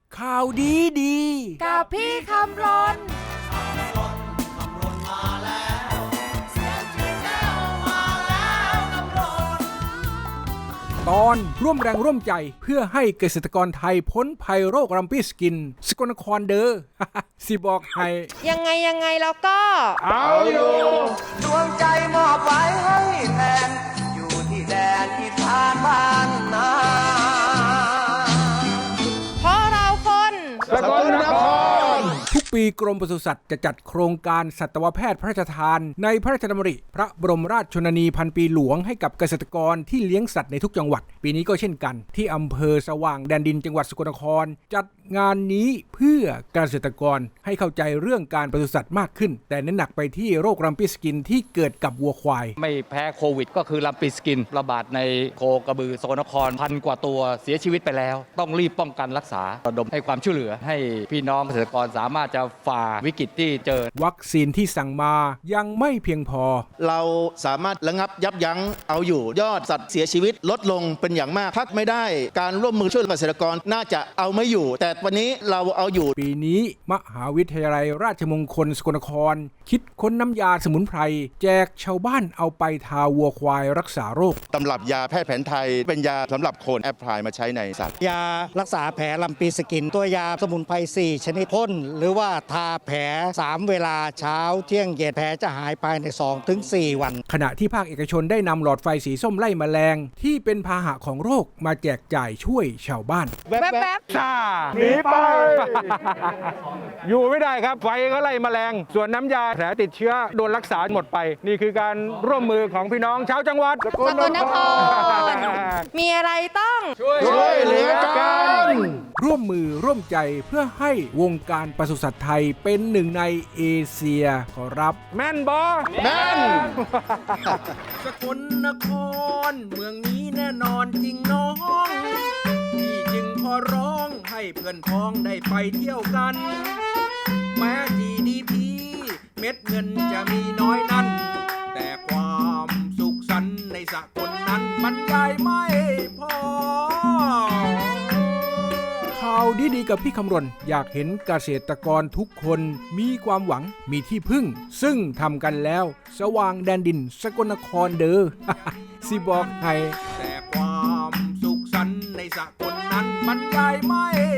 ข่าวดีกับพี่คำรนตอนร่วมแรงร่วมใจเพื่อให้เกษตรกรไทยพ้นภัยโรครัมปี้สกินสกลนครเด้อ สิบอกให้ยังไงแล้วก็เอาอยู่ดวงใจมอบไว้ให้แทนอยู่ที่แดนอีสานบ้านนาเพราะเราคนสกลนครทุกปีกรมปศุสัตว์จะจัดโครงการสัตวแพทย์พระราชทานในพระราชดำริพระบรมราชชนนีพันปีหลวงให้กับเกษตรกรที่เลี้ยงสัตว์ในทุกจังหวัดปีนี้ก็เช่นกันที่อำเภอสว่างแดนดินจังหวัดสกลนครจัดงานนี้เพื่อเกษตรกรให้เข้าใจเรื่องการปศุสัตว์มากขึ้นแต่เน้นหนักไปที่โรครัมปี้สกินที่เกิดกับวัวควายไม่แพ้โควิดก็คือรัมปี้สกินระบาดในโคกระบือสกลนครพันกว่าตัวเสียชีวิตไปแล้วต้องรีบป้องกันรักษาระดมให้ความช่วยเหลือให้พี่น้องเกษตรกรสามารถจะฝ่าวิกฤตที่เจอวัคซีนที่สั่งมายังไม่เพียงพอเราสามารถระงับยับยั้งเอาอยู่ยอดสัตว์เสียชีวิตลดลงเป็นอย่างมากพักไม่ได้การร่วมมือช่วยเกษตรกรน่าจะเอาไม่อยู่แต่วันนี้เราเอาอยู่ปีนี้มหาวิทยาลัยราชมงคลสกลนครคิดค้นน้ำยาสมุนไพรแจกชาวบ้านเอาไปทาวัวควายรักษาโรคตำรับยาแพทย์แผนไทยเป็นยาสำหรับคนแอพพลายมาใช้ในสัตว์ยารักษาแผลรัมปีสกินตัวยาสมุนไพร4ชนิดพ่นหรือว่าทาแผล3เวลาเช้าเที่ยงเย็นแผลจะหายภายใน 2-4 วันขณะที่ภาคเอกชนได้นำหลอดไฟสีส้มไล่แมลงที่เป็นพาหะของโรคมาแจกจ่ายช่วยชาวบ้านแวบๆซ่าหนีไป อยู่ไม่ได้ครับไฟก็ไล่แมลงส่วนน้ำยาแผลติดเชื้อโดนรักษาหมดไปนี่คือการร่วมมือของพี่น้องชาวจังหวัดสกลนครมีอะไรต้องช่วยเหลือกันร่วมมือร่วมใจเพื่อให้วงการปศุสัตว์ไทยเป็นหนึ่งในเอเชียขอรับแม่นบอแม่นสกลนครเมืองนี้แน่นอนจริงน้องพี่จึงขอร้องให้เพื่อนพ้องได้ไปเที่ยวกันแม้ GDP เม็ดเงินจะมีน้อยนั้นแต่ความสุขสันต์ในสกลนั้นบรรยายไม่พอข่าวดีๆกับพี่คำรณอยากเห็นเกษตรกรทุกคนมีความหวังมีที่พึ่งซึ่งทำกันแล้วสว่างแดนดินสกลนครเด้อ สิบอกให้แต่ความสุขสันต์ในสกลนั้นบรรยายไม่